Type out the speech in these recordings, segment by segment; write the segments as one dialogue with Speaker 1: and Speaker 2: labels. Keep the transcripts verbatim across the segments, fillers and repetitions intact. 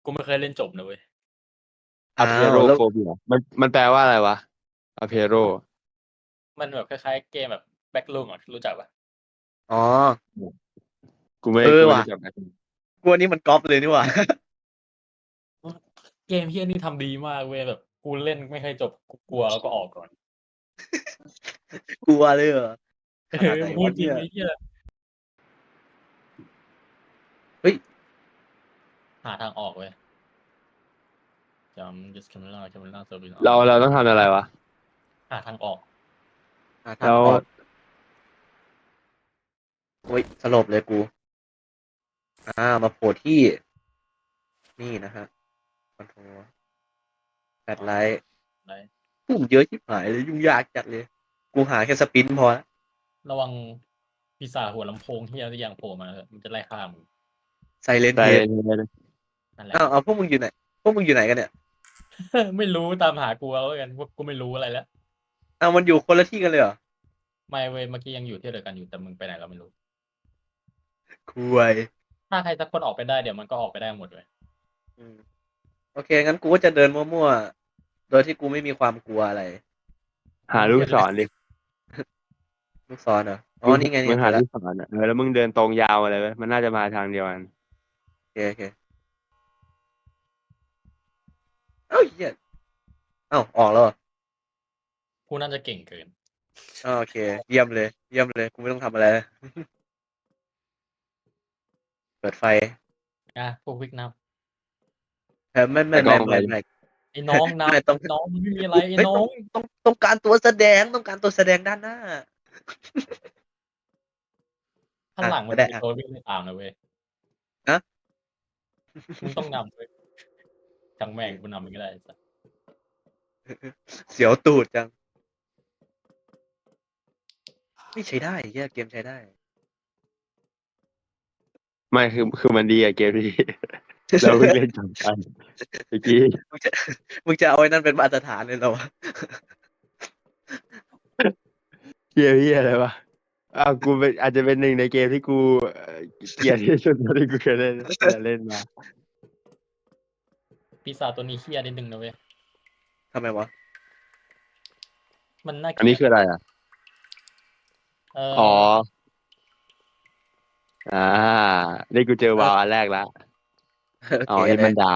Speaker 1: กูไม่เคยเล่นจบนะเว้ย
Speaker 2: อ p
Speaker 3: อ้า
Speaker 2: p เ r
Speaker 3: ว
Speaker 2: o
Speaker 3: แล้ว
Speaker 2: p h o b i a มันมันแปลว่าอะไรวะ a p เพโร
Speaker 1: มันแบบคล้ายๆเกมแบบแบ็กลูมอ่ะรู้จักปะ
Speaker 3: อ๋อ
Speaker 2: กูไม่
Speaker 3: เออ
Speaker 2: กูไม่
Speaker 3: ว่ะ
Speaker 2: รู้จักนะ
Speaker 3: กูอันนี้มันก๊อปเลยนี่หว่า
Speaker 1: เกมเฮียนี่ทำดีมากเว้ยแบบกูเล่นไม่เคยจบกูกลัวแล้วก็ออกก่อน
Speaker 3: กลัวเลยเหรอ
Speaker 1: เอ
Speaker 3: ขนาด
Speaker 1: อ
Speaker 3: ไหน
Speaker 1: พูด
Speaker 3: วะ
Speaker 1: จริ
Speaker 3: เนี่
Speaker 1: ง
Speaker 3: ย
Speaker 1: ไอ้เหี้ย
Speaker 3: เฮ้ย
Speaker 1: หาทางออกเว้ยจำ just camera camera service
Speaker 2: เราเราต้องทำอะไรวะ
Speaker 1: หาทางออก
Speaker 3: หาทา
Speaker 2: แล้
Speaker 3: ง
Speaker 2: ว
Speaker 3: ออกโอ้ยสลบเลยกู อ่า มาโผล่ที่ นี่นะฮะคอนโทรลแปดไลท์
Speaker 1: ได้
Speaker 3: ปุ่มเยอะชิบหายเลย ยุ่งยากจัดเลย กูหาแค่สปินพอละ
Speaker 1: ระวังปีศาจหัวลำโพงเฮียที่ยังโผล่มาเถอะมันจะไล่ฆ่ามึง
Speaker 3: ไซเลน
Speaker 2: แต่
Speaker 3: เฮด
Speaker 1: นั่นแหละ
Speaker 3: อ้าวเอาพวกมึงอยู่ไหน พวกมึงอยู่ไหนกันเนี่ย
Speaker 1: ไม่รู้ตามหากูเอาแล้วกันพวกกูไม่รู้อะไรแล้ว
Speaker 3: อ้าวมันอยู่คนละที่กันเลยเหรอ
Speaker 1: ไม่เว้ยเมื่อกี้ยังอยู่ที่เดียวกันอยู่แต่มึงไปไหนเราไม่รู้
Speaker 3: คุย
Speaker 1: ถ้าใครสักคนออกไปได้เดี๋ยวมันก็ออกไปได้หมดเลย
Speaker 3: อืมโอเค งั้นกูก็จะเดินมั่วๆ โดยที่กูไม่มีความกลัวอะไร
Speaker 2: หาลูกศรดิ
Speaker 3: ลูกศรเหรอ อ๋อ นี่ไง
Speaker 2: มึ
Speaker 3: นี่
Speaker 2: ง
Speaker 3: เจ
Speaker 2: หา
Speaker 3: อแล้
Speaker 2: ลู
Speaker 3: ว
Speaker 2: กศรอ่ะเออแล้วมึงเดินตรงยาวอะไรเว้ยมันน่าจะมาทางเดียวกัน
Speaker 3: โอเคโอเคเอ้าเหี้ยเอ้าออกแล้วเหรอ
Speaker 1: กูน่าจะเก่งเกิน
Speaker 3: อ้าวโอเค เยี่ยมเลย เยี่ยมเลย กูไม่ต้องทำอะไร เปิดไฟ
Speaker 1: อ่ะพวกวิกน
Speaker 3: เออไม่ไม่
Speaker 2: แต่ก็
Speaker 3: ไม่
Speaker 2: เอาไป
Speaker 3: ไม่ไม่
Speaker 1: ำไอ้น้องน
Speaker 3: ไม่ต้อง
Speaker 1: ำน้องมันไม่มีอะไรไอ้
Speaker 3: เฮ้ย
Speaker 1: น้
Speaker 3: ต้
Speaker 1: อ
Speaker 3: อง งต้องต้องการตัวแสดง ต้องการตัวแสดงด้านหน้า
Speaker 1: ข้างหลังมัน
Speaker 3: ก็ได้
Speaker 1: มี
Speaker 3: อ่ะ
Speaker 1: ตัววิ่งตามนะเว้ย
Speaker 3: ฮะ
Speaker 1: มึงต้องนำเว้ยจังแม่งกูนำมันก็ได้สัส
Speaker 3: เสียวตูดจัง ไม่ใช้ได้เหี้ยเกมใช้ได้
Speaker 2: ไม่คือคือมันดีอะเกมนี้ เราเพิ่งเล่นจบกันเมื่อกี้
Speaker 3: มึงจะมึงจะเอาไอ้นั่นเป็นมาตรฐานเลยเหรอวะ
Speaker 2: เฮียเฮียอะไรวะอ้าวกูเป็นอาจจะเป็นหนึ่งในเกมที่กูเอ่อเกลียดที่สุดเท่าที่กูเคยเล่นเล่นมา
Speaker 1: ปีศาจตัวนี้เฮี้ยนิดนึงนะเว้ย
Speaker 3: ทำไมวะ
Speaker 1: มันน่า
Speaker 2: อัน
Speaker 1: เกลี
Speaker 2: นี้
Speaker 1: ยด
Speaker 2: คืออะไรอ่ะ
Speaker 1: เออ
Speaker 2: อ๋ออ่านี่กูเจอวาวอันแรกแล้ว
Speaker 3: โอ
Speaker 2: อ๋อ
Speaker 3: เค
Speaker 2: เอ็ด
Speaker 3: เล
Speaker 2: มั
Speaker 3: ย
Speaker 2: นดาว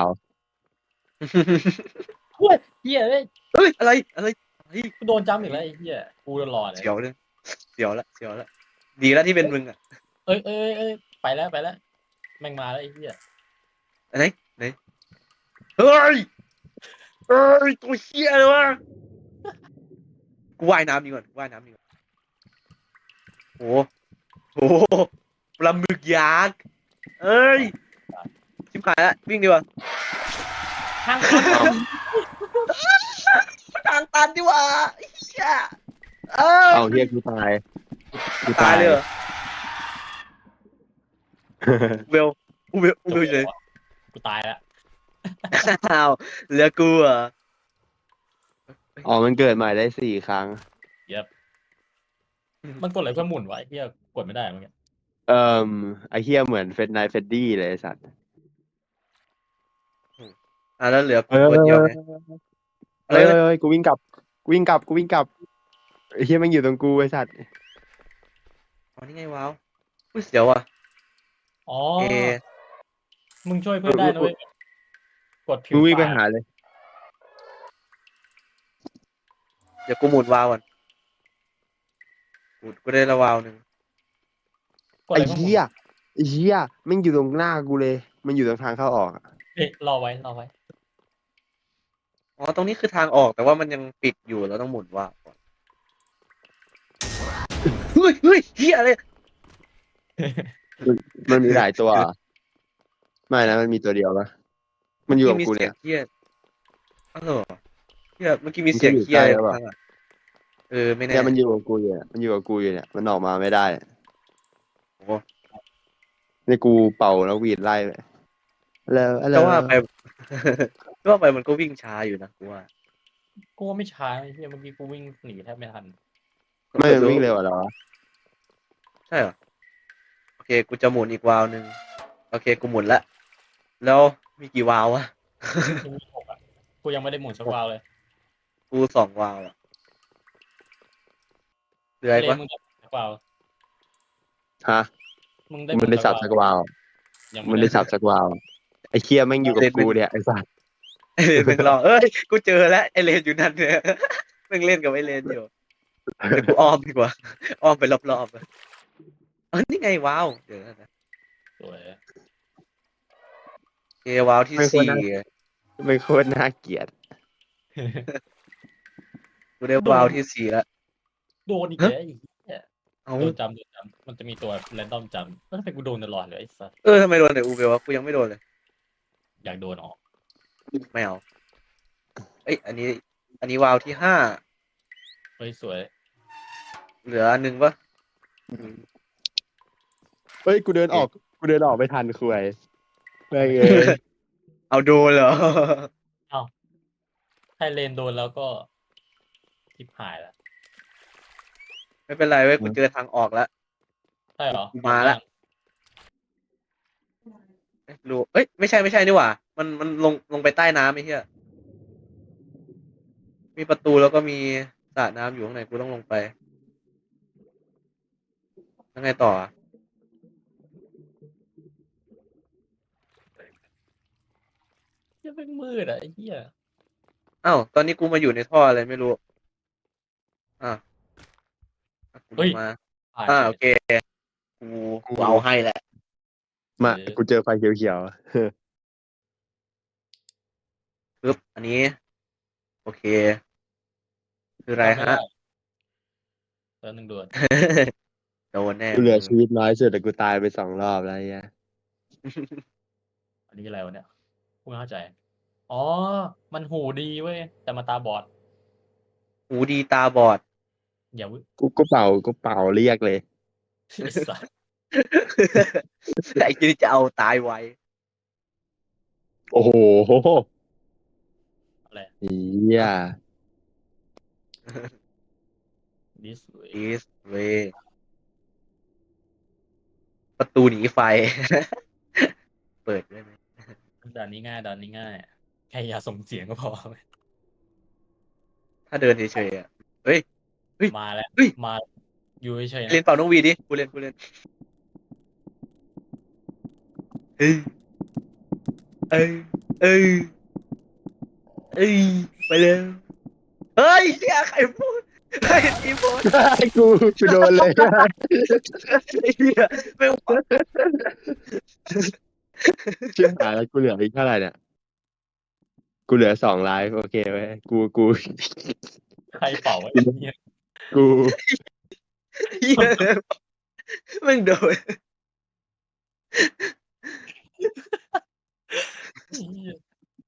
Speaker 1: เฮ้ยเฮี้ยเอ้ย
Speaker 3: เฮ้ย อะไร อะไรเฮ้ย
Speaker 1: กูโดนจำอีกแล้วไอ้เฮี้ยกูรอเลย
Speaker 3: เสียวเลยเสียวละ เสียวละ ดีแล้วที่เป็นมึงอ่ะ
Speaker 1: เอ้ยเอ้ยเอ้ยไปแล้วไปแล้วแม่งมาแล้วไอ้เฮี้ย
Speaker 3: ไหนไหนเฮ้ยเฮ้ย ตัวเหี้ยเลยวะ กูว่ายน้ำดีกว่าว่ายน้ำดีกว่าโอ้โหปลาหมึกยักษ์เอ้ย ชิบหายละวิ่งดีกว่า
Speaker 1: ทางตัน
Speaker 3: ทางตันดีกว่าเหี้ยเออ
Speaker 2: เอาเฮียกูตายกู
Speaker 3: ตายเลยเหรอเวลอูเวลอูเวลเลย
Speaker 1: กูตายแล้ว
Speaker 3: อ้าวเหลือกูเหรอ
Speaker 2: อ๋อมันเกิดใหม่ได้สี่ครั้ง
Speaker 1: เย็บมันกดอะไรเพื่อหมุนวะไอ้เฮี้ยกดไม่ได้เมื่อกี้
Speaker 2: เอ่อไอเฮียเหมือนเฟดไนเฟดดี้เลยไอ้สัตว์
Speaker 3: อ่ะแล้วเหลือกู
Speaker 2: เออ
Speaker 3: ตัวเดียวไง
Speaker 2: เอ้ยเอ้ยเอ้ยกูวิ่งกลับกูวิ่งกลับกูวิ่งกลับไอเฮียมันอยู่ตรงกูไอสัตว์
Speaker 3: อ๋อนี่ไงว้าวอุ้ยเสียวอ่ะ
Speaker 1: อ๋อ
Speaker 3: เอ
Speaker 1: มึงช่วยเพื่อนได้นะเว้ยกดผิว
Speaker 2: มึงวิ่งไป
Speaker 1: ปาก
Speaker 2: หาเลย
Speaker 3: เดี๋ยวกูหมุนวาล์วก่อนหมุนกูได้ละวาล์วหนึ่ง
Speaker 1: กด
Speaker 2: ไอ
Speaker 1: อะไรเพื่อหมุน
Speaker 2: เฮียไอเฮียมันอยู่ตรงหน้ากูเลย มันอยู่ตรงทางเข้าออกอะ
Speaker 1: เอ๊ะรอไว้รอไว้
Speaker 3: อ๋อตรงนี้คือทางออกแต่ว่ามันยังปิดอยู่เราต้องหมุนวาล์วก่อนเฮ้ยเฮ้ยเฮียอะไร
Speaker 2: มันมีหลายตัวเหรอไม่นะมันมีตัวเดียวปะมันอยู่กับกูเนี่ย
Speaker 3: เมื่อกี้มีเสียงเฮียอ้าวเหรอเฮียเมื่อกี้มีเสียงเฮีย
Speaker 2: มันจะอยู่ใกล้หรือเปล่า
Speaker 3: ข้างหลังเออไม่แน่
Speaker 2: เนี่ยมันอยู่กับกูอยู่เนี่ยมันอยู่กับกูอยู่เนี่ยมันออกมาไม่ได้
Speaker 3: โอ้
Speaker 2: นี่กูเป่าแล้วหวีดไล่เลยแล้วอะไร
Speaker 3: ก็ว่าไป ก็ว่าไปมันก็วิ่งช้าอยู่นะกูว่า
Speaker 1: กูว่าไม่ช้าไอ้เฮี้ยเมื่อกี้กูวิ่งหนีแทบไม่ทัน
Speaker 2: ไม่มันวิ่งเร็วเหรอวะ
Speaker 3: ใช่เหรอโอเคกูจะหมุนอีกวาล์วหนึ่งโอเคกูหมุนละแล้วมีกี่วาล์ววะ
Speaker 1: กูมีหกอ่ะกูยังไม่ได้หมุนสักวาล์วเลย
Speaker 3: กูสองวาล์วอะเหลือ
Speaker 1: ไอ
Speaker 3: อีก
Speaker 1: เลน
Speaker 3: ปะ
Speaker 1: มึงได้สักวาล์ว
Speaker 2: ฮะ
Speaker 1: มึงได้
Speaker 2: กู
Speaker 1: หมุ
Speaker 2: มัน
Speaker 1: น
Speaker 2: ได้
Speaker 1: สัก
Speaker 2: สับ
Speaker 1: วาล์ว
Speaker 2: สักวาว
Speaker 1: ยัง
Speaker 2: มัน
Speaker 1: ไม่
Speaker 2: ได้
Speaker 1: ได้
Speaker 2: สับสักวาวไอ้เคียแม่งอยู่กับกูเนี่ยไอ้สัส
Speaker 3: ไอเลนแม่งรอเอ้ยกูเจอแล้วไอเลนอยู่นั่นเนี่ยแม่งเล่นกับไอเลนอยู่เดี๋ยวกูอ้อมดีกว่าอ้อมไปรอบๆอะเออนี่ไงว้าวเดี๋ยวนะ
Speaker 1: สวย
Speaker 3: เอว้าวที่
Speaker 2: ไม่ควร
Speaker 3: สี่
Speaker 2: นะ ไม่โคตรน่าเกลียด
Speaker 3: กูได้ว้าวที่สี่แล้ว
Speaker 1: โดนอีกแล้วไอ้เหี้ย
Speaker 3: เอา
Speaker 1: โดนจำโดนจำมันจะมีตัวแรนดอมจำแล้วทำไมกูโดนตลอดเลยไอ้สัส
Speaker 3: เออทำไมโดนแต่อูเบลวะกูยังไม่โดนเลย
Speaker 1: อยากโดนออก
Speaker 3: ไม่เอาเอ้ยอันนี้ อันนี้ว้าวที่ห้า
Speaker 1: เฮ้ยสวย
Speaker 3: เหลืออันหนึ่งปะ
Speaker 2: เฮ้ยกูเดินออกกูเดินออกไม่ทันคุยแม่งเอ้ย
Speaker 3: เอาโดนเหรอ
Speaker 1: ถ้าเลนโดนแล้วก็ทิพหายแล้ว
Speaker 3: ไม่เป็นไรเว้ยกูเจอทางออกแล้ว
Speaker 1: ใช่เหรอ
Speaker 3: มาละ เอ้ยรู้เอ้ยไม่ใช่ไม่ใช่นี่หว่ามันมันลงลงไปใต้น้ำไอ้เหี้ยมีประตูแล้วก็มีสระน้ำอยู่ข้างในกูต้องลงไปยังไงต่ออะ
Speaker 1: ยังเป็นมืดอ่ะไอ้เหี้ย
Speaker 3: อ้าวตอนนี้กูมาอยู่ในท่ออะไรไม่รู้อ่ะอ่ะกูลงมา
Speaker 1: ผ่าน
Speaker 3: อ่า
Speaker 1: เฉย
Speaker 3: โอเคกูกูเอาให้แหละ
Speaker 2: มากูเจอไฟเขียว
Speaker 3: ปึ๊บอันนี้ โอเค คืออะไร
Speaker 1: จำม่
Speaker 3: ฮะ
Speaker 1: ด้แล้วหนึ่งด่วน
Speaker 3: โดนแน่
Speaker 2: ๆกูเหลือ
Speaker 3: มึง
Speaker 2: ชีวิตน้อยสุดแต่กูตายไปสองรอบแล้วไอ้เหี้ย
Speaker 1: อันนี้อะไรวะเนี่ยกูไม่เข้าใจ อ๋อ มันหูดีเว้ย แต่มันตาบอด
Speaker 3: หูดีตาบอด
Speaker 1: อย่าวิ
Speaker 2: กูก็เป่ากูเป่าเรียกเลย
Speaker 1: ไอ้สัส
Speaker 3: ไอ้ที่จะเอาตายไว้
Speaker 2: โอ้โห
Speaker 1: อะไร
Speaker 2: เหี้ย
Speaker 1: this way
Speaker 3: this way ประตูหนีไฟ เปิดได้ไหม
Speaker 1: ด่านนี้ง่ายด่านนี้ง่ายแค่อย่าส่งเสียงก็พอ
Speaker 3: ถ้าเดินเฉยๆอ่ะ เฮ้ย เฮ้ย
Speaker 1: มาแล้ว
Speaker 3: เฮ้ย
Speaker 1: มาอยู่เฉยๆ
Speaker 3: เล่น
Speaker 1: นะ
Speaker 3: เป่าน้องวีดิกูเล่นกูเล่นเอ้ยเอ้ยเอ้ยเอ้ยไปเลยเฮ้ยเฮียใครพูดใครทีพูด
Speaker 2: กูกูโดนเลย
Speaker 3: ไอ้เฮียไม่ไหว
Speaker 2: เชื่อหายแล้วกูเหลืออีกเท่าไหร่เนี่ยกูเหลือสองไลฟ์โอเคไว้ยกูกู
Speaker 1: ใครเป่าไอ้เหี้ย
Speaker 2: กู
Speaker 3: เฮียแม่งโดน
Speaker 1: เหี้ย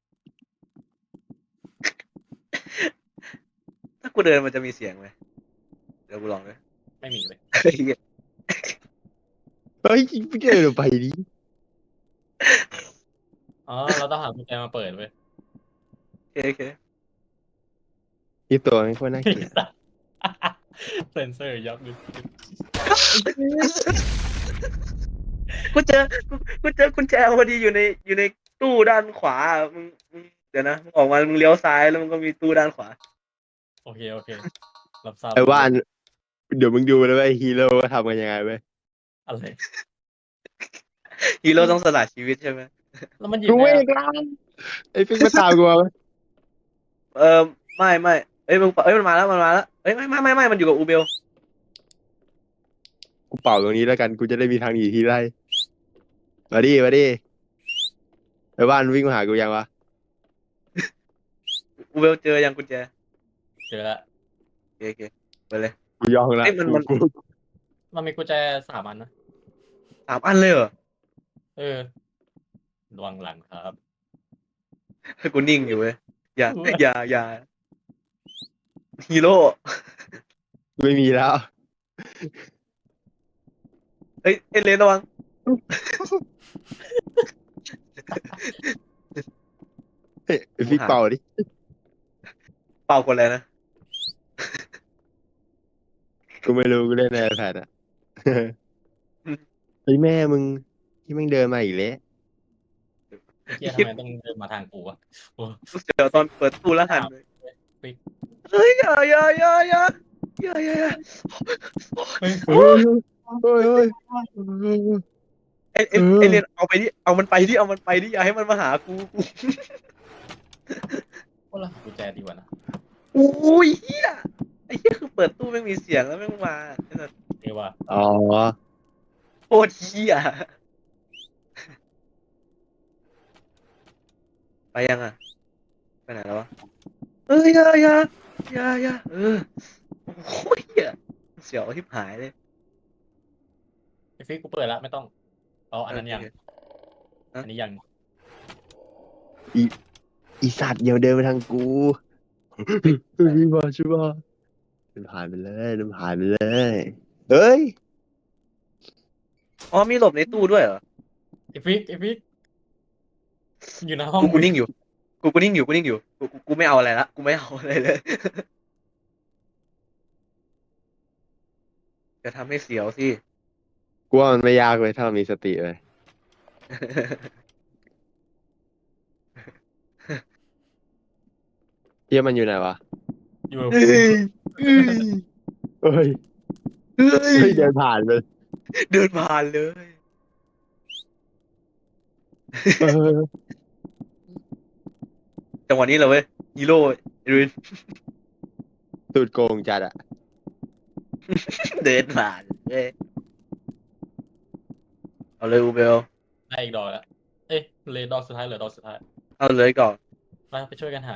Speaker 3: ถ้ากูเดินมันจะมีเสียงไหมเดี๋ยวกูลองด้วย
Speaker 1: ไม่มีเลย
Speaker 3: ไอ้เหี้ย
Speaker 2: เฮ้ยไม่เดินออกไปดิ
Speaker 1: อ๋อ เราต้องหากุญแจมาเปิดเว้ย
Speaker 3: โอเคโอเค
Speaker 2: นี่ตัวไม่ค่อยน่าเกลียด
Speaker 1: เซนเซอร์ยับเลย
Speaker 3: กูเจอกูกูเจอกุญแจพอดีอยู่ในอยู่ในตู้ด้านขวามึงมึงเดี๋ยวนะมึงออกมามึงเลี้ยวซ้ายแล้วมันก็มีตู้ด้านขวา
Speaker 1: โอเค โอเค รับทราบ
Speaker 2: ไอ้ว่านเดี๋ยวมึงดูนะว่าไอ้ฮีโร่ทำกันยังไงเว้ย
Speaker 1: อะไร
Speaker 3: ฮีโร่ต้องสละชีวิตใช่ไหม
Speaker 1: แล้วมันหยิบ
Speaker 2: กู
Speaker 1: ไง
Speaker 2: เอง
Speaker 1: อะ
Speaker 2: แล้วไอ้ฟิกมาตามกูมาเว้ย
Speaker 3: เออไม่ไม่เอ้ยมึงเอ้ยมันมาแล้วมันมาแล้วเอ้ยไม่ไม่ไม่ไม่มันอยู่กับอูเบล
Speaker 2: กูเป่าตรงนี้แล้วกันกูจะได้มีทางหนีที่ไล่มาดิมาดิไอ้ว่านวิ่งมาหากูยังวะ
Speaker 3: อูเบลเจอยังกุญแจ
Speaker 1: เจอละ
Speaker 3: โอเคโอเคไปเลย
Speaker 2: กูย่องละ
Speaker 3: เอ้ยมันมัน
Speaker 2: กูกู
Speaker 1: มันมีกุญแจสามอันนะ
Speaker 3: สามอันเลยเหรอ
Speaker 1: เออระวังหลังครับ
Speaker 3: ให้กูนิ่งอยู่เว้ยอย่าอย่าอย่าฮีโร่
Speaker 2: ไม่มีแล้ว
Speaker 3: เฮ้ยเอเลนระวัง
Speaker 2: เฮ้ยไอ้ฟิกเป่าดิ
Speaker 3: เป่าคนอะไรนะ
Speaker 2: กูไม่รู้กูเล่นใน iPad อ่ะ เฮ้ยแม่มึงที่มึงเดินมาอีกแล้ว
Speaker 1: ไอ้เหี้ยทำไมต้องเดินมาทางกูวะโอ้
Speaker 3: กูเสียวตอนเปิดตู้แล้วหัน
Speaker 1: อ้าว
Speaker 3: เลย
Speaker 1: ปิ๊ก
Speaker 3: เฮ้ยอย่าอย่าอย่าอย่าอย่าอย่าอย่า
Speaker 1: เฮ้ย
Speaker 2: เฮ้ยเฮ้ยเฮ้ยเฮ้ย
Speaker 3: ไอไอ
Speaker 2: เออ
Speaker 3: ไอเรียนเอาไปดิเอามันไปดิเอามันไปดิอย่าให้มันมาหากูกู
Speaker 1: ว่าละกุญแจดีกว่านะ
Speaker 3: อุ้ยเฮียไอ้เฮียคือเปิดตู้ไม่งมีเสียงแล้วแม่งมาไอ้สัส
Speaker 1: เรียกว่า
Speaker 2: อ๋อ
Speaker 3: โคตรเฮียไปยังอ่ะไปไหนแล้ววะเอ้ยอย่าอย่าอย่าอย่าเออโอ้ยเฮียเสียวทิบหายเลย
Speaker 1: ไอ้ฟิกกูเปิดแล้วไม่ต้องเอาอันนั้นยัง
Speaker 3: โอเค
Speaker 1: อันนี้ยัง
Speaker 2: อีสัตว์เดี๋ยวเดินมาทางกูเฮ้ยมาช่วยมาเดินผ่านไปเลยเดินผ่านไปเลยเฮ้ย
Speaker 3: อ๋อมีหลบในตู้ด้วยเหรอ
Speaker 1: ไอ้ฟิกไอ้ฟิกอยู่ในห้อง
Speaker 3: กูกูนิ่งอยู่กูกูนิ่งอยู่กูนิ่งอยู่กูกูกูไม่เอาอะไรละกูไม่เอาอะไรเลย จะทำให้เสียวสิ
Speaker 2: กูว่ามันไม่ยากเลยถ้าเรามีสติเลยเฮียมันอยู่ไหนวะ
Speaker 1: อยู่กับ
Speaker 3: เฮ้
Speaker 1: กู
Speaker 3: ยเฮ้ย
Speaker 2: เฮ้ย
Speaker 3: เฮ้ย
Speaker 2: เฮ้ยเดินผ่านไป
Speaker 3: เดินผ่านเลย
Speaker 2: เออ
Speaker 3: จังหวะนี้เลยเว้ยฮีโร่รุน
Speaker 2: ตูดโกงจัดอะ
Speaker 3: เดินผ่านเว้ยเอาเลยอูเบล
Speaker 1: ได้อีกดอกแล้วเอ้ยเหลยดอกสุดท้ายเหลือดอกสุดท้าย
Speaker 3: เอาเลยก่อน
Speaker 1: ไปไปช่วยกันหา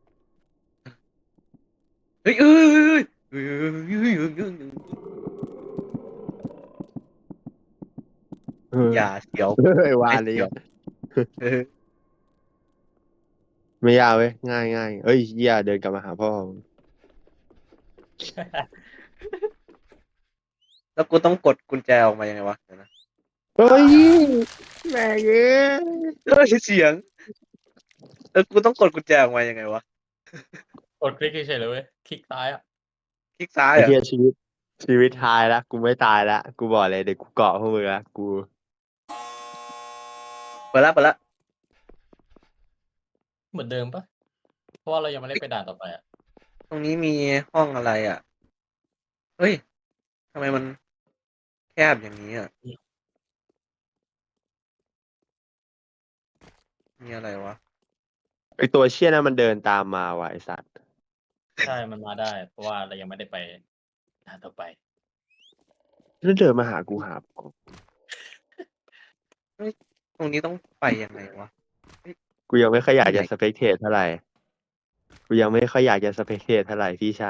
Speaker 3: เฮ้ยเอ้ยเอ้ยเอ้ยเอ้ยเอ้ยเอ้ยเอ้ย
Speaker 2: เออ
Speaker 3: อย่าเสียว
Speaker 2: เฮ้ยวานเลยอะ
Speaker 3: เออ
Speaker 2: ไม่ยากเว้ยง่ายง่ายเอ้ยเฮียเดินกลับมาหาพ่อ
Speaker 3: แล้วกูต้องกดกุญแจออกมายังไงวะเดี๋ยวนะ
Speaker 2: เฮ้ยแม่เอ้ย
Speaker 3: เฮ้ยเสียงแล้วกูต้องกดกุญแจออกมายังไงวะ
Speaker 1: กดคลิกเฉยๆเลยเว้ยคลิกซ้ายอ่ะ
Speaker 3: คลิกซ้าย
Speaker 2: ไอ้
Speaker 3: เหร
Speaker 2: เฮี
Speaker 3: อ่ะ
Speaker 2: ยชีวิตชีวิตทายละกูไม่ตายละกูบอกเลยเดี๋ยวกูเกาะพวกมึงละกู
Speaker 3: เปิดละเปิดละ
Speaker 1: เหมือนเดิมปะเพราะว่าเรายังไม่ได้ไปด่านต่อไปอ่ะ
Speaker 3: ตรงนี้มีห้องอะไรอ่ะเฮ้ยทำไมมันแคบอย่างนี้อ่ะมีอะไรวะ
Speaker 2: ไอตัวเชี่ยนั้นมันเดินตามมาว่ะไอสัตว์
Speaker 1: ใช่มันมาได้ เพราะว่าเรายังไม่ได้ไปด่านต่อไป
Speaker 2: แล้วเดินมาหากูหา
Speaker 3: ตรงนี้ต้องไปยังไงวะ
Speaker 2: กูยังไม่ค่อยอยากจะ
Speaker 3: ไหน
Speaker 2: สเปกเทตเท่าไหร่กูยังไม่ค่อยอยากจะสเปกเทตเท่าไหร่พี่ชาย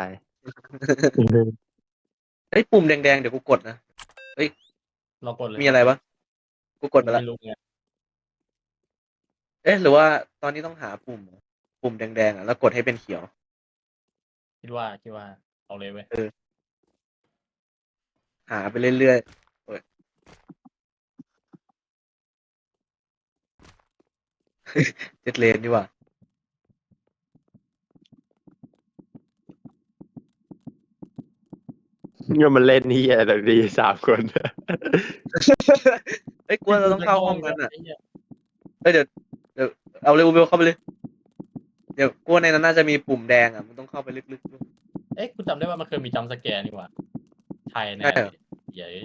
Speaker 3: เฮ้ยปุ่มแดงๆเดี๋ยวกูกดนะ
Speaker 1: เรากดเลย
Speaker 3: มีอะไรวะกูกดไปละ
Speaker 1: ไม่รู้ไง
Speaker 3: เอ๊ะหรือว่าตอนนี้ต้องหาปุ่ม ปุ่มแดงๆอ่ะแล้วกดให้เป็นเขียว
Speaker 1: คิดว่าคิดว่าเอาเลยเว้ย
Speaker 3: หาไปเรื่อยๆโอ้ย เจ็ดเลนดีกว่า
Speaker 2: เนี่ยมันเล่นนี่อะไรแบบนี้สามคน
Speaker 3: เอ้ยกลัวเราต้องเข้าห้องนั้นอ่ะ
Speaker 1: ไเหี้ย
Speaker 3: เอ้ยเดี๋ยวเดี๋ยวเอาเลยอูเบลเข้าไปเลย เดี๋ยวกลัวในนั้นน่าจะมีปุ่มแดงอ่ะมันต้องเข้าไปลึกๆด้วย
Speaker 1: เอ๊ะกูจำได้ว่ามันเคยมีจัมป์สแกร์นี่หว่าไทยแน่
Speaker 3: ใช่เหรอ
Speaker 1: เย้ย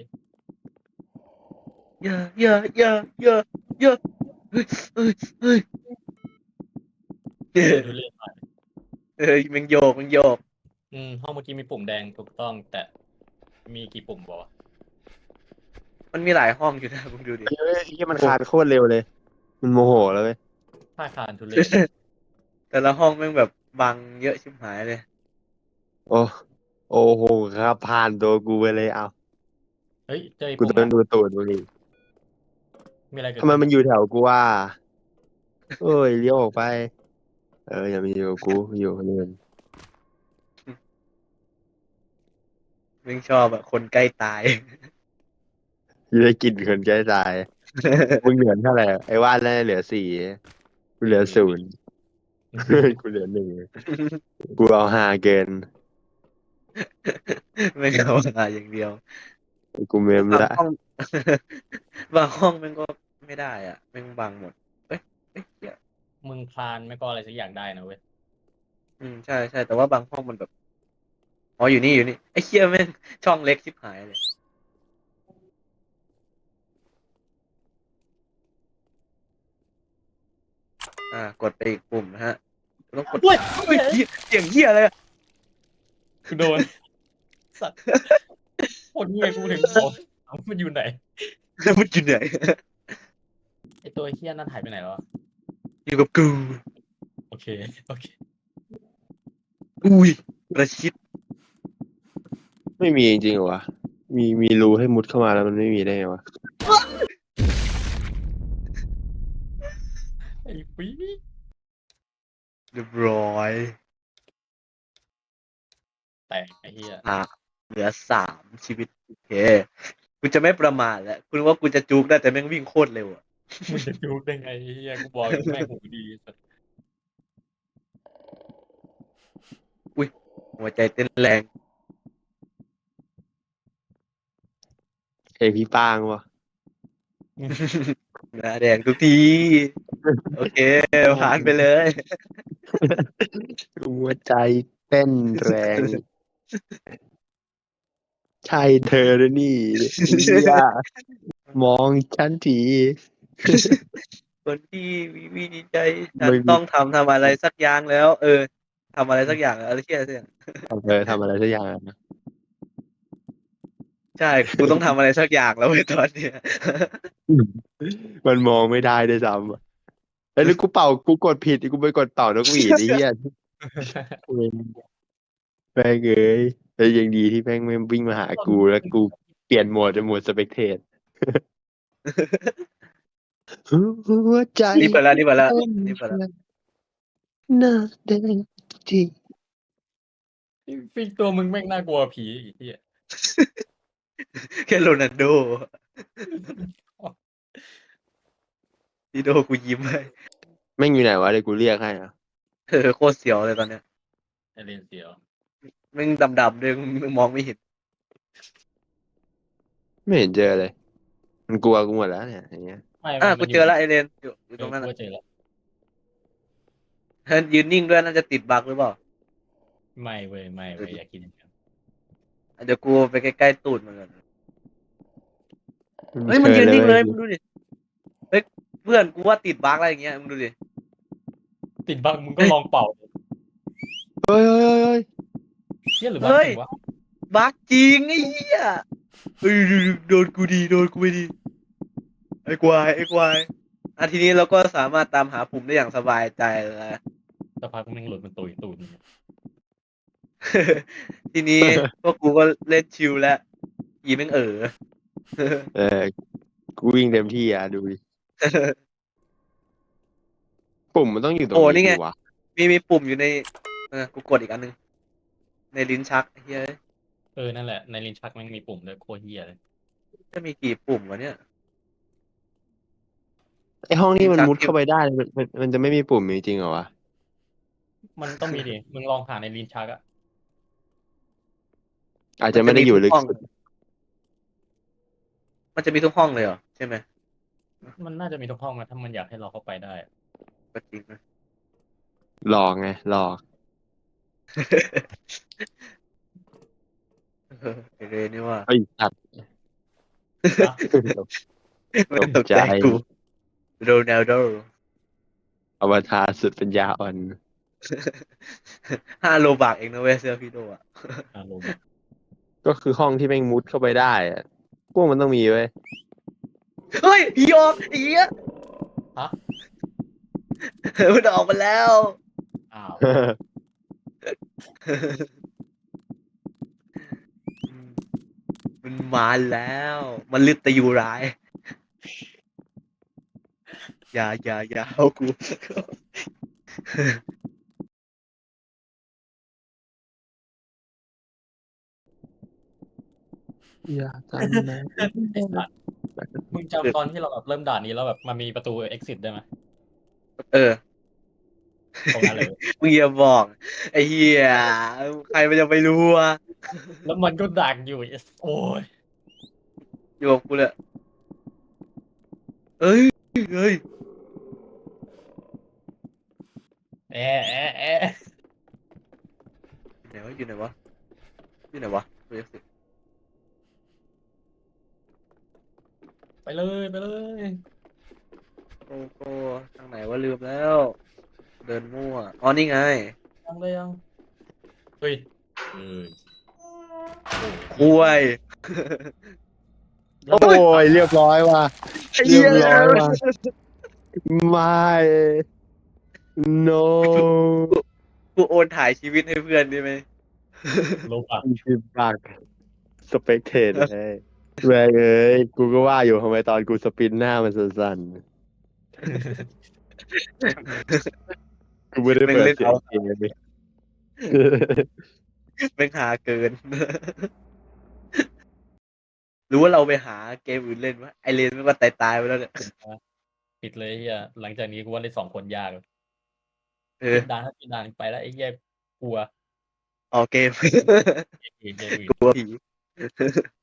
Speaker 3: เยอะเยอะเยอะเยอะเยอะเฮ้ยเฮ้ยเฮ้ยเออ
Speaker 1: ดูเล่นหน่อย
Speaker 3: เออมันโยกมันโยก
Speaker 1: อืมห้องเมื่อกี้มีปุ่มแดงถูกต้อง แต่มีกี่ปุ่มบอกว่า
Speaker 3: มันมีหลายห้องอยู่นะมึงดูดิ
Speaker 2: เฮ้ยที่มันคานโคตรเร็วเลย มันโมโหแล้วเว้ย
Speaker 1: ท่าคานทุเรศ
Speaker 3: แต่ละห้องแม่งแบบบังเยอะชิบหายเลย
Speaker 2: โอ้โอ้โหครับผ่านตัวกูไปเลยเอา
Speaker 1: เฮ้ยเจอไอ้
Speaker 2: กู
Speaker 1: ปุ่ม
Speaker 2: ต้อง
Speaker 1: อะ
Speaker 2: ดูตูดมึงอีก
Speaker 1: มีอะไรเกิด
Speaker 2: ทำไม
Speaker 1: ขึ้น
Speaker 2: มันอยู่แถวกูว่าเอ้ยเลี้ยวออกไป เอออย่ามาอยู่กับกูอยู่คนอื่น
Speaker 3: แม่งชอบอะคนใกล้ตาย
Speaker 2: อยังได้กินคนใกล้ตาย มึงเหลือเท่าไหร่ไอ้ว่านน่าจะเหลือสี่กูเหลือศูนย์ กูเหลือหนึ่งกูเอาห้าเกิน
Speaker 3: แม่งเอามาอย่างเดียว
Speaker 2: กูเมม
Speaker 3: บาง
Speaker 2: ละ
Speaker 3: ห้อง บางห้องแม่งก็ไม่ได้อ่ะแม่งบังหมดเอ้ยเอ้ยเหี้ย
Speaker 1: มึงคลานไม่ก็อะไรสักอย่างได้นะเว้ย
Speaker 3: อืมใช่ใช่แต่ว่าบางห้องมันแบบอ๋ออยู่นี่อยู่นี่ไอ้เหี้ยแม่งช่องเล็กชิบหายเลยอ่ากดไปอีกปุ่มนะฮะต้องกด
Speaker 1: เฮ้ย
Speaker 3: เฮ้ยเหี้ยเสียงเหี้ยอะไรอะ
Speaker 1: กูโดนสัตว์โคตรเงี้ยกูถึงบอกเอามันอยู่ไหน
Speaker 3: แล้วมันอยู่ไหน
Speaker 1: ไอตัวเฮี้ยนั่นหายไปไหนแล้วอะ
Speaker 3: อยู่กับกู
Speaker 1: โอเคโอเค
Speaker 3: อุ้ยประชิด
Speaker 2: ไม่มีจริงๆเหรอวะมีมีรูให้มุดเข้ามาแล้วมันไม่มีได้ไงวะ
Speaker 1: ไอ้ปี๊ด
Speaker 3: เรียบร้อย
Speaker 1: แตกไอ้เฮี้ย
Speaker 3: อ่ะเหลือสามชีวิตโอเคกูจะไม่ประมาทแล้วคุณว่ากูจะจุกได้แต่แม่งวิ่งโคตรเร็วอ่ะ
Speaker 1: มึงจะจูกได้ไงไอ้เฮี้ยกูบอกอยู่แม่งหูดีสัตว์
Speaker 3: อุ้ยหัวใจเต้นแรง
Speaker 2: เอยพี่ป้างวะ
Speaker 3: หน้าแดงทุกทีโอเคผ่านไปเลย
Speaker 2: หัวใจเต้นแรง ใช่เธอแล้วนี่อย่ามองฉันที
Speaker 3: คนที่มีวิธีใจฉัน
Speaker 2: ไม่มี
Speaker 3: ต้องทำทำอะไรสักอย่างแล้ว เออทำอะไรสักอย่างแล้วอะไรเชี่ยสักอย่าง
Speaker 2: เออทำอะไรสักอย่างนะ
Speaker 3: ใช่กูต้องทำอะไรสักอย่างแล้วเว้ยตอนเนี้ย
Speaker 2: มันมองไม่ได้ด้วยซ้ำอะเอ้ยแล้วกูเป่ากูกดผิดกูไปกดเป่านกหวีดไอ้เหี้ยเว้ยแม่งเอ้ยแต่ยังดีที่แม่งไม่วิ่งมาหากูแล้วกูเปลี่ยนโหมดเป็นโหมดสเปกเทตหัวใจ
Speaker 3: นี่เปิดแล้วนี่เปิดแล้วนี่เปิดแล้ว
Speaker 2: หน้าแดงจี
Speaker 1: ฟิกตัวมึงแม่งน่ากลัวผีไอ้เฮี้ย
Speaker 3: แค่โรนัลโดพี่โดกูยิ้มให้
Speaker 2: แม่งอยู่ไหนวะเดี๋ยวกูเรียกให้อ่ะ
Speaker 3: เออโคตรเสียวเลยตอนเนี้ย
Speaker 1: ไอเลนเสียว
Speaker 3: แม่งดำๆด้วยมึงมองไม่เห็น
Speaker 2: ไม่เห็นเจอเลย มันกลัวกูหมดแล้วเนี่ยอย่างเงี้ย
Speaker 1: ไม่
Speaker 3: อ่ะ
Speaker 1: ไม่
Speaker 3: กูเจอแล้วไอเรนอยู่อยู่
Speaker 1: เอ
Speaker 3: ตร
Speaker 1: อง
Speaker 3: นั้น
Speaker 1: กู
Speaker 3: น่ะ
Speaker 1: ก็เจอแล้ว
Speaker 3: ยืนนิ่งด้วยน่าจะติดบั๊กหรือเปล่า
Speaker 1: ไม่เว้ยไม่เว้ยอยากกินอย่างนั้น
Speaker 3: เดี๋ยวกูไปใกล้ๆตูดมันก่อนเฮ้ยมันยืนนิ่งเลยมึงดูดิเฮ้ยเพื่อนกูว่าติดบั๊กอะไรอย่างเงี้ยมึงดูดิ
Speaker 1: ติดบั๊กมึงก็ลองเป่า
Speaker 2: เฮ้ยเฮ้ยเฮ้ยเฮ้ย
Speaker 1: เฮี้ยหรือบั๊กจริงวะ
Speaker 3: บั๊กจริงไอ้เหี้ยเฮ้ยโดนกูดีโดนกูไม่ดีไอ้ควายไอ้ควายอ่ะทีนี้เราก็สามารถตามหาปุ่มได้อย่างสบายใจแล้ว
Speaker 1: สักพักมึงหลุดมันตุยตูดมึง
Speaker 3: ทีนี้พวกกูก็เล่นชิลแล้วยีแม่งเออ
Speaker 2: เออกูวิ่งเต็มที่อ่ะดูดิปุ่มมันต้องอยู่ตรง
Speaker 3: โอ้นี่
Speaker 2: นี้
Speaker 3: ไง
Speaker 2: ดิวะ
Speaker 3: มีมีปุ่มอยู่ในเออกูกดอีกอันนึงในลิ้นชักไอ้เฮ้ย
Speaker 1: เออนั่นแหละในลิ้นชักแม่งมีปุ่มด้วยโคตรเฮี้ยเลย
Speaker 3: จะมีกี่ปุ่มวะเนี่ย
Speaker 2: ไอห้องนี้มัน
Speaker 3: ลิ้นชัก
Speaker 2: มุดเข้าไปได้มันมันมันจะไม่มีปุ่มจริงๆเหรอวะ
Speaker 1: มันต้องมีดิมึงลองหาในลิ้นชักอะ
Speaker 2: อาจจะไม่ได้อยู่ลึก
Speaker 3: ห้อง
Speaker 2: สุด
Speaker 3: มันจะมีทุกห้องเลยเหรอใช่ไหม
Speaker 1: มันน่าจะมีทุกห้องนะถ้ามันอยากให้เราเข้าไปได้
Speaker 3: ก็จริงนะ
Speaker 2: หลอกไงหลอก
Speaker 3: เออไอเรนนี่ว่า
Speaker 2: ไอ้สัตว์
Speaker 3: ไม่ตกใจกูโรนัลโด
Speaker 2: อวตารสุดปัญญาอ่อน
Speaker 3: ห้าโลบากเองนะเว้ยเสื้อพี่โดอ่ะ
Speaker 1: อารมณ์อะ
Speaker 2: ก็คือห้องที่แม่งมุดเข้าไปได้อะพวกมันต้องมีเว้ย
Speaker 3: เฮ้ยผีออกไอ้เหี้ย
Speaker 1: ฮะ
Speaker 3: มันออกมาแล้ว
Speaker 1: อ้าว
Speaker 3: มันมาแล้ว มันลึกแต่อยู่ร้าย อย่าอย่าอย่าเอากู
Speaker 2: อย่าทำนะ
Speaker 1: ไอ้สัตว์มึงจำตอนที่เราแบบเริ่มด่านนี้แล้วแบบมันมีประตู exit ได้ไหม
Speaker 3: เออ
Speaker 1: ตรงนั้นเลย
Speaker 3: มึงอย่าบอก ไอ้เหี้ยใครมันจะไปรู้วะ
Speaker 1: แล้วมันก็ดักอยู่ไอ้โอ้ย
Speaker 3: อยู่กับกูเลยเอ้ยเอ้ย
Speaker 1: แอะแอะแอะ
Speaker 3: อยู่ไหนวะอยู่ไหนวะอยู่ไหนวะเรียกสิ
Speaker 1: ไปเลยไปเลย
Speaker 3: โอ้โหทางไหนวะลืมแล้ว เดินมั่วอ๋อนี่ไง
Speaker 1: ยังเลยยังเฮ้ยเอ้ยโอ้ย
Speaker 3: คุย
Speaker 1: ยัง
Speaker 2: โอ้ยเรียบร้อยว่ะ
Speaker 3: ไอ้
Speaker 2: เรี
Speaker 3: เหี้
Speaker 2: ย
Speaker 3: ย
Speaker 2: บร้อยว่ะไม่ no
Speaker 3: กูกูโอนถ่ายชีวิตให้เพื่อนได้ไหม
Speaker 1: ลบอ่ะ
Speaker 2: สิบบาทสเปกเทดเลยแม่งเอ้ยกูก็ว่าอยู่ทำไมตอนกูสปินหน้ามันสั่นๆกูไม่ได้
Speaker 3: แม่ง
Speaker 2: เปิด
Speaker 3: เล่น
Speaker 2: เสีย
Speaker 3: เอา
Speaker 2: งเกมเลย
Speaker 3: แม่งหาเกิน หรือว่าเราไปหาเกมอื่นเล่นวะไอเลนมันก็ตายตายๆไปแล้วเนี่ย
Speaker 1: ปิดเลยไอ้เฮียหลังจากนี้กูว่าเล่นสองคนยาก
Speaker 3: เออ
Speaker 1: ปิดด่านถ้าปิดด่านไปแล้วไอ้เฮียกลัว
Speaker 3: ออกเกม
Speaker 1: เกมเกมอื่น
Speaker 3: กลัวผี